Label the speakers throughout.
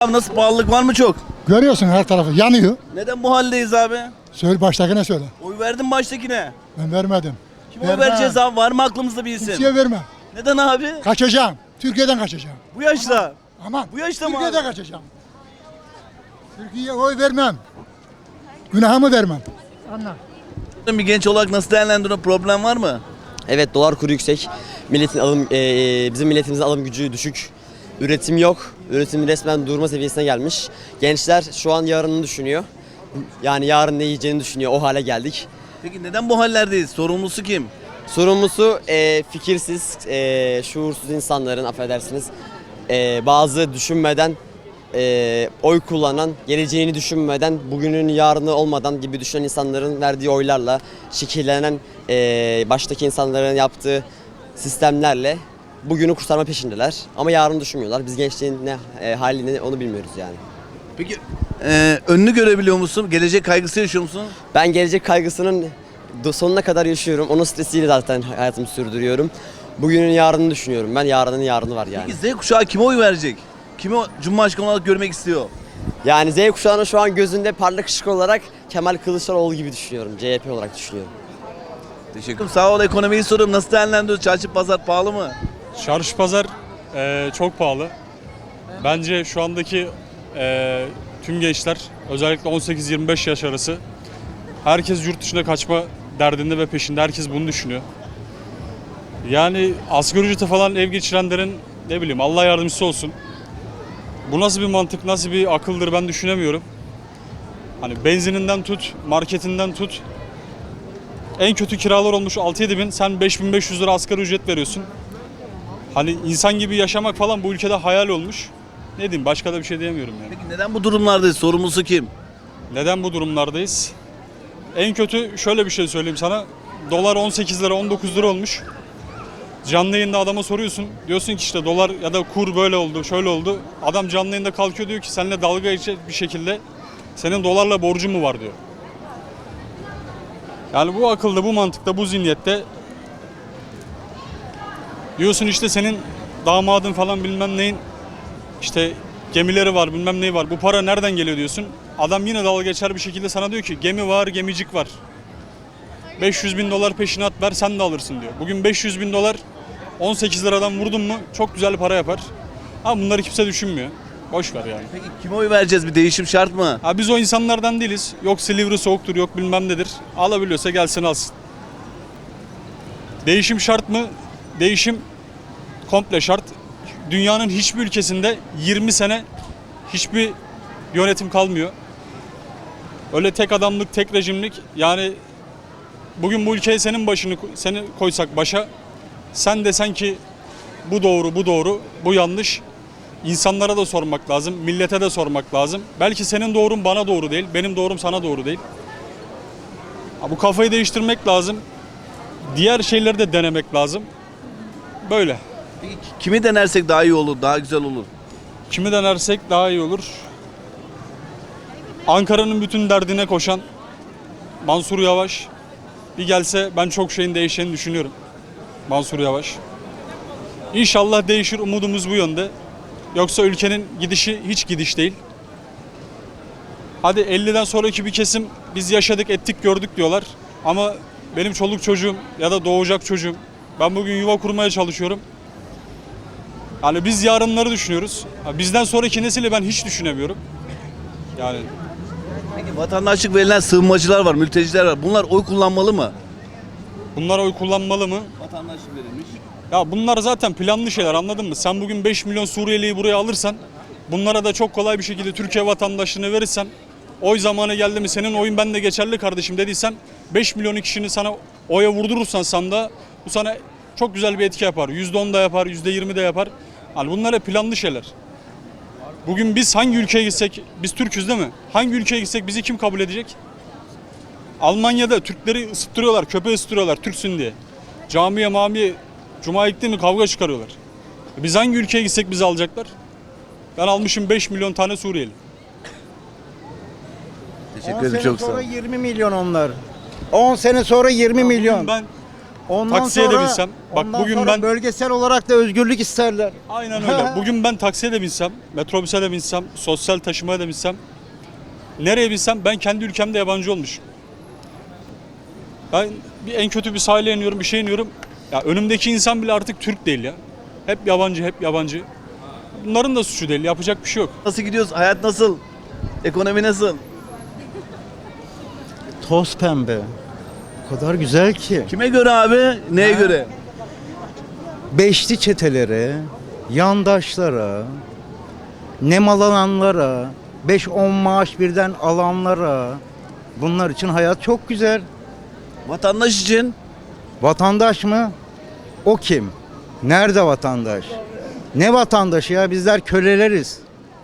Speaker 1: Abi nasıl, pahalılık var mı çok?
Speaker 2: Görüyorsun her tarafı yanıyor.
Speaker 1: Neden bu haldeyiz abi?
Speaker 2: Söyle baştakine söyle.
Speaker 1: Oy verdin baştakine.
Speaker 2: Ben vermedim.
Speaker 1: Kime oy vereceğiz abi? Var mı aklımızda bir isim?
Speaker 2: Kimseye vermem.
Speaker 1: Neden abi?
Speaker 2: Kaçacağım. Türkiye'den kaçacağım.
Speaker 1: Bu yaşta.
Speaker 2: Aman.
Speaker 1: Bu yaşta mı
Speaker 2: Türkiye'den
Speaker 1: abi?
Speaker 2: kaçacağım. Türkiye'ye oy vermem. Günahımı vermem.
Speaker 1: Bir genç olarak nasıl değerlendiriyorsun? Problem var mı?
Speaker 3: Evet, dolar kuru yüksek. Bizim milletimizin alım gücü düşük. Üretim yok. Üretim resmen durma seviyesine gelmiş. Gençler şu an yarını düşünüyor. Yani yarın ne yiyeceğini düşünüyor. O hale geldik.
Speaker 1: Peki neden bu hallerdeyiz? Sorumlusu kim?
Speaker 3: Sorumlusu fikirsiz, şuursuz insanların, affedersiniz, bazı düşünmeden, oy kullanan, geleceğini düşünmeden, bugünün yarını olmadan gibi düşünen insanların verdiği oylarla, şekillenen baştaki insanların yaptığı sistemlerle bugünü kurtarma peşindeler. Ama yarını düşünmüyorlar. Biz gençliğin ne halini onu bilmiyoruz yani.
Speaker 1: Peki önünü görebiliyor musun? Gelecek kaygısı yaşıyor musun?
Speaker 3: Ben gelecek kaygısının sonuna kadar yaşıyorum. Onun stresiyle zaten hayatımı sürdürüyorum. Bugünün yarını düşünüyorum. Ben yarının yarını var yani.
Speaker 1: Peki Z kuşağı kime oy verecek? Kimi Cumhurbaşkanı olarak görmek istiyor?
Speaker 3: Yani Z kuşağının şu an gözünde parlak ışık olarak Kemal Kılıçdaroğlu gibi düşünüyorum. CHP olarak düşünüyorum.
Speaker 1: Teşekkür ederim. Sağ ol, ekonomiyi soruyorum. Nasıl değerlendiriyorsun? Çarşı pazar pahalı mı?
Speaker 4: Çarşı pazar çok pahalı. Bence şu andaki tüm gençler, özellikle 18-25 yaş arası, herkes yurt dışına kaçma derdinde ve peşinde. Herkes bunu düşünüyor. Yani asgari ücrete falan ev geçirenlerin ne bileyim Allah yardımcısı olsun. Bu nasıl bir mantık, nasıl bir akıldır ben düşünemiyorum. Hani benzininden tut, marketinden tut. En kötü kiralar olmuş 6-7 bin, sen 5.500 lira asgari ücret veriyorsun. Hani insan gibi yaşamak falan bu ülkede hayal olmuş. Ne diyeyim, başka da bir şey diyemiyorum yani.
Speaker 1: Peki neden bu durumlardayız? Sorumlusu kim?
Speaker 4: Neden bu durumlardayız? En kötü şöyle bir şey söyleyeyim sana. Dolar 18 lira 19 lira olmuş. Canlı yayında adama soruyorsun. Diyorsun ki işte dolar ya da kur böyle oldu, şöyle oldu. Adam canlı yayında kalkıyor diyor ki seninle dalga geçecek bir şekilde senin dolarla borcun mu var diyor. Yani bu akılda, bu mantıkta, bu zihniyette diyorsun işte senin damadın falan bilmem neyin işte gemileri var bilmem neyi var. Bu para nereden geliyor diyorsun. Adam yine dalga geçer bir şekilde sana diyor ki gemi var, gemicik var. 500 bin dolar peşinat ver sen de alırsın diyor. Bugün 500 bin dolar 18 liradan vurdun mu çok güzel para yapar. Ama bunları kimse düşünmüyor. Boş ver yani.
Speaker 1: Peki kime oy vereceğiz? Bir değişim şart mı?
Speaker 4: Ha, biz o insanlardan değiliz. Yok Silivri soğuktur, yok bilmem nedir. Alabiliyorsa gelsin alsın. Değişim şart mı? Değişim komple şart. Dünyanın hiçbir ülkesinde 20 sene hiçbir yönetim kalmıyor. Öyle tek adamlık, tek rejimlik. Yani bugün bu ülkeye seni koysak başa, sen desen ki bu doğru, bu doğru, bu yanlış. İnsanlara da sormak lazım, millete de sormak lazım. Belki senin doğrun bana doğru değil, benim doğrum sana doğru değil. Bu kafayı değiştirmek lazım. Diğer şeyleri de denemek lazım. Böyle.
Speaker 1: Peki kimi denersek daha iyi olur, daha güzel olur?
Speaker 4: Kimi denersek daha iyi olur. Ankara'nın bütün derdine koşan Mansur Yavaş bir gelse ben çok şeyin değişeceğini düşünüyorum. Mansur Yavaş. İnşallah değişir, umudumuz bu yönde. Yoksa ülkenin gidişi hiç gidiş değil. Hadi 50'den sonraki bir kesim biz yaşadık, ettik, gördük diyorlar. Ama benim çoluk çocuğum ya da doğacak çocuğum, ben bugün yuva kurmaya çalışıyorum. Yani biz yarınları düşünüyoruz. Bizden sonraki nesili ben hiç düşünemiyorum. Yani
Speaker 1: Peki vatandaşlık verilen sığınmacılar var, mülteciler var. Bunlar oy kullanmalı mı?
Speaker 4: bunlar oy kullanmalı mı?
Speaker 1: Vatandaşlık verilmiş.
Speaker 4: Ya bunlar zaten planlı şeyler, anladın mı? Sen bugün 5 milyon Suriyeli'yi buraya alırsan, bunlara da çok kolay bir şekilde Türkiye vatandaşlığını verirsen, oy zamanı geldi mi senin oyun bende geçerli kardeşim dediysen, 5 milyon kişinin sana oya vurdurursan sandığa, bu sana çok güzel bir etki yapar. %10 da yapar, %20 de yapar. Yani bunlar hep planlı şeyler. Bugün biz hangi ülkeye gitsek, biz Türk'üz değil mi? Hangi ülkeye gitsek bizi kim kabul edecek? Almanya'da Türkleri ısıttırıyorlar, köpeği ısıttırıyorlar Türksün diye. Camiye mamiye, cuma gitti mi kavga çıkarıyorlar. Biz hangi ülkeye gitsek bizi alacaklar? Ben almışım 5 milyon tane Suriyeli.
Speaker 1: Teşekkür ederim, çok sağ ol.
Speaker 5: 20 milyon onlar. 10 sene sonra 20 milyon.
Speaker 4: Ben Taksiye de binsem. Bak
Speaker 5: ondan
Speaker 4: bugün
Speaker 5: sonra
Speaker 4: ben
Speaker 5: bölgesel olarak da özgürlük isterler.
Speaker 4: aynen öyle. Bugün ben taksiye de binsem, metrobüse de binsem, sosyal taşımaya da binsem, nereye binsem ben kendi ülkemde yabancı olmuşum. Ben en kötü bir sahile iniyorum, bir şey iniyorum. Ya önümdeki insan bile artık Türk değil ya. Hep yabancı, hep yabancı. Bunların da suçu değil. Yapacak bir şey yok.
Speaker 1: Nasıl gidiyoruz? Hayat nasıl? Ekonomi nasıl?
Speaker 5: Toz pembe. O kadar güzel ki.
Speaker 1: Kime göre abi? Neye göre?
Speaker 5: Beşli çetelere, yandaşlara, nemalananlara, 5-10 maaş birden alanlara, bunlar için hayat çok güzel.
Speaker 1: Vatandaş için
Speaker 5: Vatandaş mı? O kim? Nerede vatandaş? Ne vatandaşı ya? Bizler köleleriz.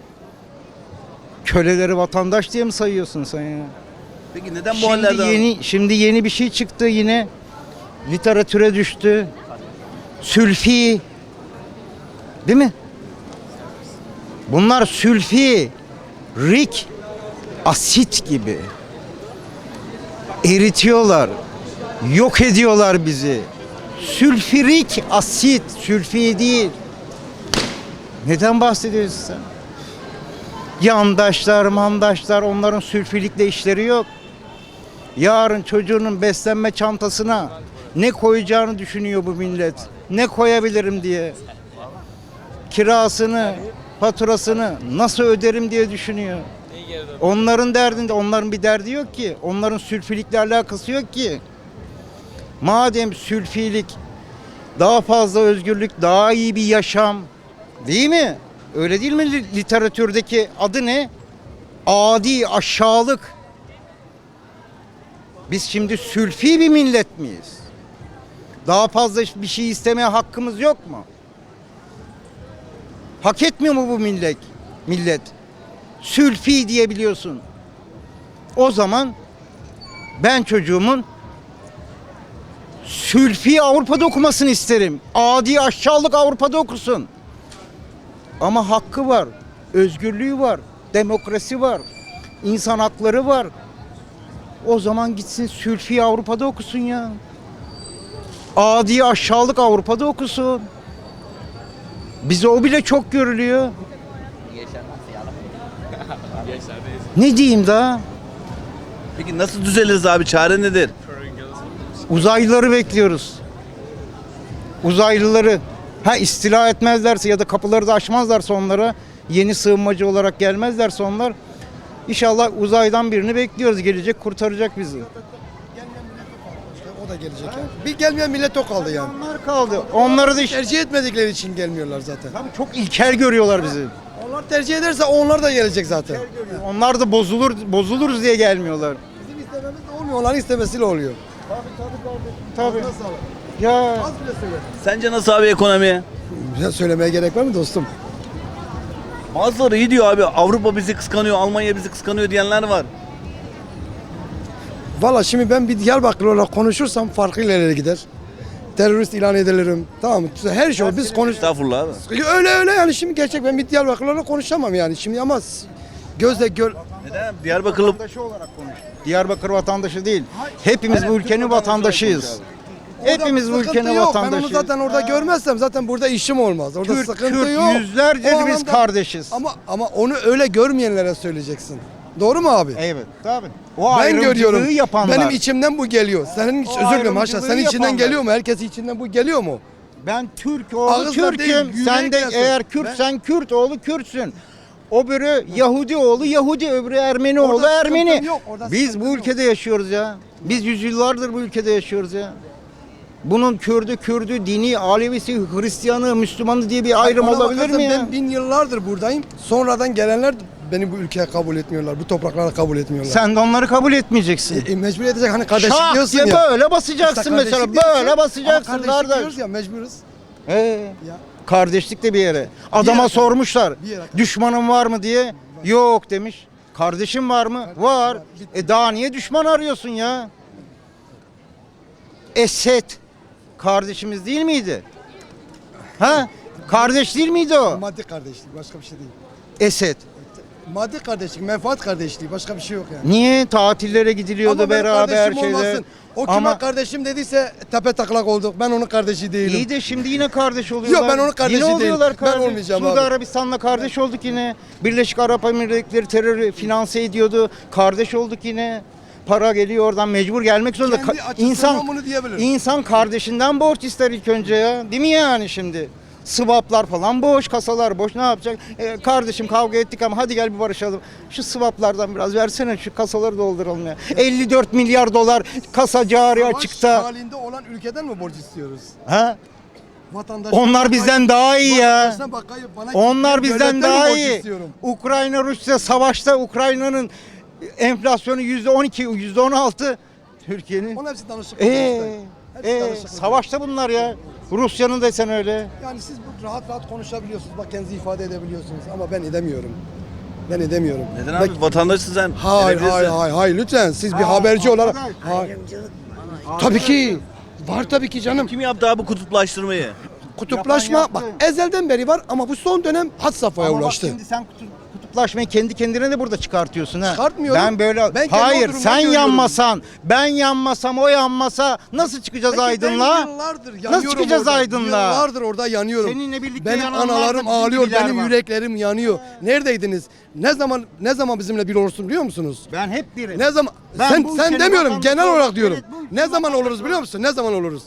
Speaker 5: Köleleri vatandaş diye mi sayıyorsun sen ya?
Speaker 1: peki neden bu hallerden?
Speaker 5: Şimdi yeni bir şey çıktı yine. Literatüre düştü. Sülfi. Değil mi? Bunlar sülfi, rik, asit gibi. Eritiyorlar. Yok ediyorlar bizi. Sülfürik asit, sülfi değil. Neden bahsediyorsun sen? Yandaşlar, mandaşlar, onların sülfilikle işleri yok. Yarın çocuğunun beslenme çantasına ne koyacağını düşünüyor bu millet. Ne koyabilirim diye. Kirasını, faturasını nasıl öderim diye düşünüyor. Onların derdinde, onların bir derdi yok ki. Onların sülfilikle alakası yok ki. Madem sülfilik, daha fazla özgürlük, daha iyi bir yaşam, değil mi? Öyle değil mi literatürdeki adı ne? Adi, aşağılık. Biz şimdi sülfi bir millet miyiz? Daha fazla bir şey istemeye hakkımız yok mu? Hak etmiyor mu bu millet? Sülfi diyebiliyorsun. O zaman ben çocuğumun sülfi Avrupa'da okumasını isterim. Adi aşağılık Avrupa'da okusun. Ama hakkı var, özgürlüğü var, demokrasi var, insan hakları var. O zaman gitsin sülfi Avrupa'da okusun ya. Adi aşağılık Avrupa'da okusun. Bize o bile çok görülüyor. Ne diyeyim daha?
Speaker 1: Peki nasıl düzeliriz abi? Çare nedir?
Speaker 5: Uzaylıları bekliyoruz. Uzaylıları. Ha istila etmezlerse ya da kapıları da açmazlarsa onlara, yeni sığınmacı olarak gelmezlerse onlar, İnşallah uzaydan birini bekliyoruz. Gelecek, kurtaracak bizi.
Speaker 6: O da gelecek yani. Bir gelmeyen millet o kaldı yani.
Speaker 5: Onlar kaldı. Onları da
Speaker 6: Tercih etmedikleri için gelmiyorlar zaten.
Speaker 5: tabii çok ilkel görüyorlar bizi.
Speaker 6: Onlar tercih ederse onlar da gelecek zaten.
Speaker 5: Onlar da bozuluruz diye gelmiyorlar.
Speaker 6: Bizim istememiz de olmuyor, onların istemesiyle oluyor.
Speaker 5: Tabii.
Speaker 6: Nasıl sağlık?
Speaker 5: Ya
Speaker 6: Az bile söyle.
Speaker 1: Sence nasıl abi ekonomi?
Speaker 6: Ya söylemeye gerek var mı dostum?
Speaker 1: Bazıları iyi diyor abi. Avrupa bizi kıskanıyor, Almanya bizi kıskanıyor diyenler var.
Speaker 6: Valla şimdi ben bir Diyarbakırlı olarak konuşursam farklı ilerlere gider. Terörist ilan edilirim. Tamam mı? Her şey o. Biz konuş.
Speaker 1: Estağfurullah abi.
Speaker 6: Öyle yani şimdi gerçek ben bir Diyarbakırlı olarak konuşamam yani şimdi ama gözle gör.
Speaker 1: Neden? Diyarbakırlı
Speaker 5: vatandaşı olarak konuş. Diyarbakır vatandaşı değil. Hepimiz bu ülkenin vatandaşıyız. Hepimiz bu
Speaker 6: Sıkıntı
Speaker 5: ülkenin
Speaker 6: yok. Ben
Speaker 5: vatandaşıyız.
Speaker 6: onu zaten orada görmezsem zaten burada işim olmaz. Orada
Speaker 5: Kürt,
Speaker 6: sıkıntı
Speaker 5: Kürt,
Speaker 6: yok.
Speaker 5: yüzlerce
Speaker 6: O
Speaker 5: biz
Speaker 6: anlamda-
Speaker 5: kardeşiz.
Speaker 6: Ama onu öyle görmeyenlere söyleyeceksin. Doğru mu abi?
Speaker 5: Evet, tabii. O
Speaker 6: Ben
Speaker 5: ayrımcılığı
Speaker 6: görüyorum.
Speaker 5: yapanlar.
Speaker 6: Benim içimden bu geliyor. Senin hiç
Speaker 5: O
Speaker 6: özür dilerim haşa.
Speaker 5: ayrımcılığı
Speaker 6: Senin içinden
Speaker 5: yapanlar.
Speaker 6: geliyor mu? Herkesin içinden bu geliyor mu?
Speaker 5: Ben Türk oğlu
Speaker 6: Ağızla değil,
Speaker 5: Türk'üm. Sen de
Speaker 6: yürekle
Speaker 5: eğer
Speaker 6: söyle.
Speaker 5: Kürtsen Kürt oğlu Kürtsün. Öbürü Yahudi oğlu Yahudi, öbürü Ermeni
Speaker 6: Orada
Speaker 5: oğlu Ermeni.
Speaker 6: sıkıntı yok, orada
Speaker 5: Biz
Speaker 6: sıkıntı
Speaker 5: bu
Speaker 6: yok.
Speaker 5: ülkede yaşıyoruz ya. Biz yüzyıllardır bu ülkede yaşıyoruz ya. Bunun Kürdü, dini, Alevisi, Hristiyanı, Müslümanı diye bir ayrım
Speaker 6: Bana
Speaker 5: olabilir
Speaker 6: bakarsan
Speaker 5: mi ya?
Speaker 6: Ben 1000 yıllardır buradayım. Sonradan gelenler beni bu ülkeye kabul etmiyorlar. Bu topraklara kabul etmiyorlar.
Speaker 5: Sen de onları kabul etmeyeceksin.
Speaker 6: Mecbur edecek hani kardeşlik
Speaker 5: Şak
Speaker 6: diyorsun
Speaker 5: diye
Speaker 6: ya.
Speaker 5: böyle basacaksın
Speaker 6: İşte
Speaker 5: mesela.
Speaker 6: kardeşlik diyorsun.
Speaker 5: Böyle basacaksın
Speaker 6: Ama kardeşlik
Speaker 5: kardeş.
Speaker 6: diyoruz ya mecburuz.
Speaker 5: Ya. Kardeşlik de bir yere. Adama
Speaker 6: yere-
Speaker 5: sormuşlar.
Speaker 6: bir yere-
Speaker 5: Düşmanın var mı diye. Yok demiş. Kardeşin var mı? Var. Daha niye düşman arıyorsun ya? Esed kardeşimiz değil miydi? Ha? Kardeş değil miydi o?
Speaker 6: Maddi kardeşlik başka bir şey değil.
Speaker 5: Esed.
Speaker 6: maddi kardeşlik, menfaat kardeşliği. Başka bir şey yok yani.
Speaker 5: Niye tatillere gidiliyordu
Speaker 6: Ama benim
Speaker 5: beraber
Speaker 6: kardeşim
Speaker 5: şeyler?
Speaker 6: olmasın. O kime
Speaker 5: Ama
Speaker 6: kardeşim dediyse tepe taklak olduk. Ben onun kardeşi değilim.
Speaker 5: iyi de şimdi yine kardeş oluyorlar.
Speaker 6: Yok, ben onun kardeşi
Speaker 5: yine
Speaker 6: değilim.
Speaker 5: oluyorlar
Speaker 6: Ben
Speaker 5: kardeş.
Speaker 6: olmayacağım
Speaker 5: Suudi
Speaker 6: abi.
Speaker 5: Arabistan'la kardeş olduk yine. Birleşik Arap Emirlikleri terörü finanse ediyordu. Kardeş olduk yine. Para geliyor oradan, mecbur gelmek zorunda.
Speaker 6: Kendi açısından bunu diyebilirim.
Speaker 5: İnsan kardeşinden borç ister ilk önce ya. Değil mi yani şimdi? Swaplar falan boş, kasalar boş. Ne yapacak? Kardeşim kavga ettik ama hadi gel bir barışalım. Şu swaplardan biraz versene, şu kasaları dolduralım ya. 54 milyar dolar kasa cari
Speaker 6: Savaş
Speaker 5: açıkta.
Speaker 6: halinde olan ülkeden mi borç istiyoruz?
Speaker 5: Ha?
Speaker 6: Vatandaşlar
Speaker 5: Onlar bizden daha iyi ya. Onlar bizden daha iyi. Ukrayna Rusya savaşta Ukrayna'nın enflasyonu %12, %16. Türkiye'nin.
Speaker 6: Onun hepsi danışıklık. Hepsi danışıklık.
Speaker 5: Savaşta bunlar ya. Rusya'nın desen öyle.
Speaker 6: Yani siz bu rahat konuşabiliyorsunuz. Bak kendinizi ifade edebiliyorsunuz ama ben edemiyorum. Ben edemiyorum.
Speaker 1: Neden abi? Vatandaşsın sen.
Speaker 6: Hayır,
Speaker 1: Edebilirsin.
Speaker 6: hayır lütfen. Siz bir haberci olarak. Hayır. Tabii ki. Var tabii ki canım.
Speaker 1: Kim yaptı abi kutuplaştırmayı?
Speaker 6: Kutuplaşma
Speaker 5: Yapan
Speaker 6: bak
Speaker 5: yaptı.
Speaker 6: ezelden beri var ama bu son dönem had safhaya
Speaker 5: Ama bak
Speaker 6: ulaştı.
Speaker 5: şimdi sen kutuplaşmayı kendi kendine de burada çıkartıyorsun ha.
Speaker 6: Çıkartmıyorum.
Speaker 5: Ben böyle
Speaker 6: Ben kendi
Speaker 5: hayır
Speaker 6: durumdan
Speaker 5: sen
Speaker 6: görüyorum.
Speaker 5: yanmasan, ben yanmasam, o yanmasa nasıl çıkacağız
Speaker 6: Peki
Speaker 5: aydınlığa?
Speaker 6: ben yıllardır
Speaker 5: Nasıl
Speaker 6: yanıyorum
Speaker 5: çıkacağız
Speaker 6: orada.
Speaker 5: aydınlığa?
Speaker 6: Yıllardır orada yanıyorum.
Speaker 5: Seninle birlikte
Speaker 6: benim
Speaker 5: yananlar da
Speaker 6: analarım
Speaker 5: bizim
Speaker 6: ağlıyor,
Speaker 5: gibiler
Speaker 6: benim
Speaker 5: var.
Speaker 6: yüreklerim yanıyor. Neredeydiniz? Ne zaman bizimle bir olursun biliyor musunuz?
Speaker 5: Ben hep birim.
Speaker 6: Ne zaman?
Speaker 5: Ben bu
Speaker 6: sen
Speaker 5: ülkenin
Speaker 6: demiyorum,
Speaker 5: vatandaşı
Speaker 6: genel olarak
Speaker 5: olarak,
Speaker 6: diyorum.
Speaker 5: evet, bu ülkenin
Speaker 6: Ne zaman oluruz
Speaker 5: vatandaşı
Speaker 6: biliyor musun? Ne zaman oluruz?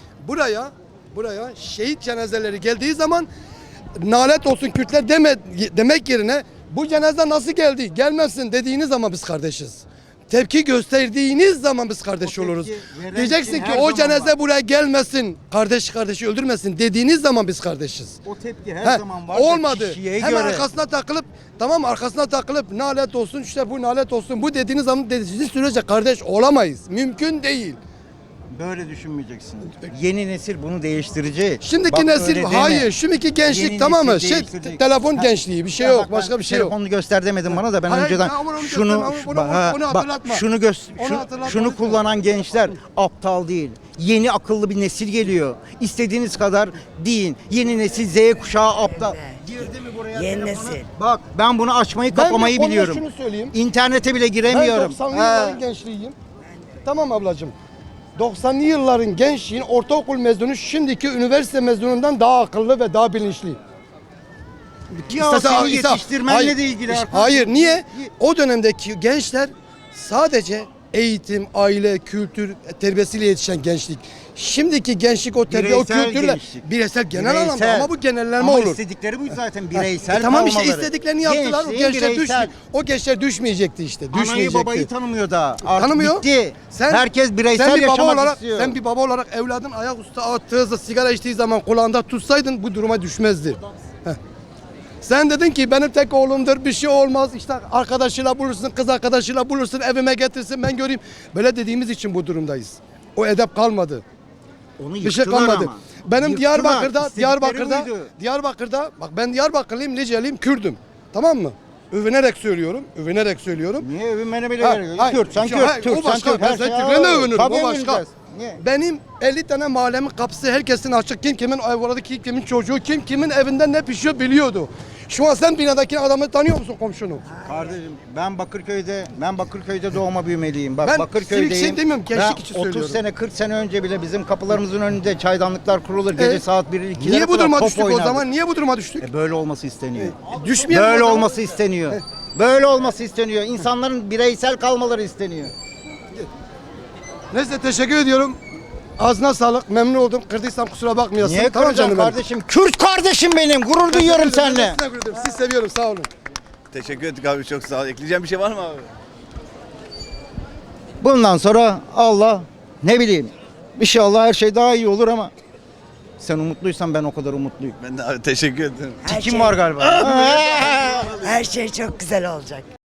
Speaker 6: Buraya şehit cenazeleri geldiği zaman nalet olsun Kürtler demek yerine bu cenaze nasıl geldi? Gelmezsin dediğiniz zaman biz kardeşiz. Tepki gösterdiğiniz zaman biz kardeş
Speaker 5: O tepki
Speaker 6: oluruz.
Speaker 5: veren
Speaker 6: Diyeceksin
Speaker 5: kim
Speaker 6: ki
Speaker 5: her
Speaker 6: o
Speaker 5: zaman
Speaker 6: cenaze
Speaker 5: var.
Speaker 6: buraya gelmesin. Kardeşi öldürmesin dediğiniz zaman biz kardeşiz.
Speaker 5: O tepki her
Speaker 6: He,
Speaker 5: zaman var. da
Speaker 6: olmadı.
Speaker 5: kişiye
Speaker 6: Hemen
Speaker 5: göre.
Speaker 6: arkasına takılıp tamam arkasına takılıp nalet olsun işte bu nalet olsun bu dediğiniz zaman dediğiniz sürece kardeş olamayız. Mümkün değil.
Speaker 5: Böyle düşünmeyeceksin. Yeni nesil bunu değiştirecek.
Speaker 6: Şimdiki
Speaker 5: Bak
Speaker 6: nesil
Speaker 5: öyle deme.
Speaker 6: hayır. Şimdiki gençlik
Speaker 5: Yeni
Speaker 6: tamam mı?
Speaker 5: nesil değiştirecek.
Speaker 6: Telefon
Speaker 5: Ha,
Speaker 6: gençliği bir şey
Speaker 5: ya
Speaker 6: yok.
Speaker 5: bak
Speaker 6: Başka
Speaker 5: ben
Speaker 6: bir şey yok.
Speaker 5: Telefonunu göster demedin bana da ben
Speaker 6: Hayır,
Speaker 5: önceden
Speaker 6: ama onu
Speaker 5: şunu
Speaker 6: gösterme, onu hatırlatma.
Speaker 5: şunu
Speaker 6: Onu hatırlatma
Speaker 5: şunu
Speaker 6: lütfen.
Speaker 5: kullanan gençler aptal değil. Yeni akıllı bir nesil geliyor. İstediğiniz kadar deyin. Yeni nesil Z kuşağı aptal. Girdi mi buraya?
Speaker 7: Yeni
Speaker 5: telefona?
Speaker 7: nesil.
Speaker 5: Bak ben bunu açmayı
Speaker 6: Ben
Speaker 5: kapamayı
Speaker 6: konuda
Speaker 5: biliyorum.
Speaker 6: şunu söyleyeyim.
Speaker 5: İnternete bile
Speaker 6: Ben
Speaker 5: giremiyorum.
Speaker 6: 90'lı
Speaker 5: Ha.
Speaker 6: yılların gençliğiyim. Tamam ablacığım. 90'lı yılların gençliğin ortaokul mezunu şimdiki üniversite mezunundan daha akıllı ve daha bilinçli.
Speaker 5: Ya
Speaker 6: İstese-
Speaker 5: seni
Speaker 6: İsa-
Speaker 5: yetiştirmenle
Speaker 6: Hayır,
Speaker 5: de ilgili.
Speaker 6: Hayır niye? O dönemdeki gençler sadece eğitim, aile, kültür terbiyesiyle yetişen gençlik. Şimdiki gençlik o terbiye, o
Speaker 5: Bireysel
Speaker 6: kültürle
Speaker 5: gençlik.
Speaker 6: bireysel genel anlamda
Speaker 5: Bireysel.
Speaker 6: ama bu genelleme
Speaker 5: Ama
Speaker 6: olur.
Speaker 5: istedikleri bu zaten bireysel
Speaker 6: Tamam işte
Speaker 5: kalmaları.
Speaker 6: istediklerini yaptılar. O
Speaker 5: Gençliğin
Speaker 6: gençler
Speaker 5: bireysel.
Speaker 6: o gençler düşmeyecekti işte.
Speaker 5: Anayı
Speaker 6: Düşmeyecekti.
Speaker 5: babayı tanımıyor daha. Artık
Speaker 6: Tanımıyor.
Speaker 5: bitti. Herkes bireysel
Speaker 6: sen bir baba
Speaker 5: yaşamak
Speaker 6: olarak,
Speaker 5: istiyor.
Speaker 6: Sen bir baba olarak evladın ayaküstü attığı hızla sigara içtiği zaman kulağında tutsaydın bu duruma düşmezdi. Heh. Sen dedin ki benim tek oğlumdur bir şey olmaz işte arkadaşıyla bulursun kız arkadaşıyla bulursun evime getirsin ben göreyim. Böyle dediğimiz için bu durumdayız. O edep kalmadı.
Speaker 5: Onu
Speaker 6: Bir şey
Speaker 5: yıktılar
Speaker 6: kalmadı.
Speaker 5: ama.
Speaker 6: Benim
Speaker 5: Yıktılar. İstedikleri buydu.
Speaker 6: Diyarbakır'da bak ben Diyarbakırlıyım, Liceliyim, Kürdüm. Tamam mı? Övünerek söylüyorum.
Speaker 5: Niye övünmene bile
Speaker 6: Ha,
Speaker 5: gerek yok?
Speaker 6: hayır,
Speaker 5: Kürt, sen
Speaker 6: hayır,
Speaker 5: Kürt, Türk,
Speaker 6: o
Speaker 5: sen
Speaker 6: başka.
Speaker 5: Türk.
Speaker 6: Ben
Speaker 5: Her şey
Speaker 6: Türklerle övünürüm,
Speaker 5: Tabii
Speaker 6: o başka.
Speaker 5: övüneceğiz. Niye?
Speaker 6: Benim 50 tane mahallemin kapısı herkesin açık. Kim kimin evladı, kim kimin çocuğu, kim kimin evinde ne pişiyor biliyordu. Şu an sen binadaki adamı tanıyor musun komşunu?
Speaker 5: Kardeşim ben Bakırköy'de doğma büyümeliyim. Bak
Speaker 6: Ben
Speaker 5: Bakırköy'deyim.
Speaker 6: civic şey demiyorum, gençlik
Speaker 5: Ben
Speaker 6: için
Speaker 5: 30
Speaker 6: söylüyorum.
Speaker 5: sene 40 sene önce bile bizim kapılarımızın önünde çaydanlıklar kurulur. Gece saat 1'e 2'lere
Speaker 6: Niye bu
Speaker 5: kadar
Speaker 6: duruma
Speaker 5: top
Speaker 6: düştük
Speaker 5: oynardık.
Speaker 6: o zaman? Niye bu duruma düştük?
Speaker 5: Böyle olması isteniyor.
Speaker 6: Düşmeyelim
Speaker 5: Böyle
Speaker 6: o zaman.
Speaker 5: olması isteniyor. Böyle olması isteniyor. İnsanların bireysel kalmaları isteniyor.
Speaker 6: Neyse teşekkür ediyorum. Ağzına sağlık. Memnun oldum. Kırdıysam kusura bakmayasın.
Speaker 5: Niye
Speaker 6: Tamam
Speaker 5: kıracağım
Speaker 6: benim.
Speaker 5: kardeşim? Kürt kardeşim benim. Gurur duyuyorum seninle.
Speaker 6: Sizi seviyorum. Sağ olun.
Speaker 1: Teşekkür ettik abi çok sağ ol. Ekleyeceğim bir şey var mı abi?
Speaker 5: Bundan sonra Allah ne bileyim. İnşallah her şey daha iyi olur ama sen umutluysan ben o kadar umutluyum.
Speaker 1: Ben de abi teşekkür ederim.
Speaker 7: Her
Speaker 5: Kim
Speaker 7: şey-
Speaker 5: var galiba?
Speaker 7: Her şey çok güzel olacak.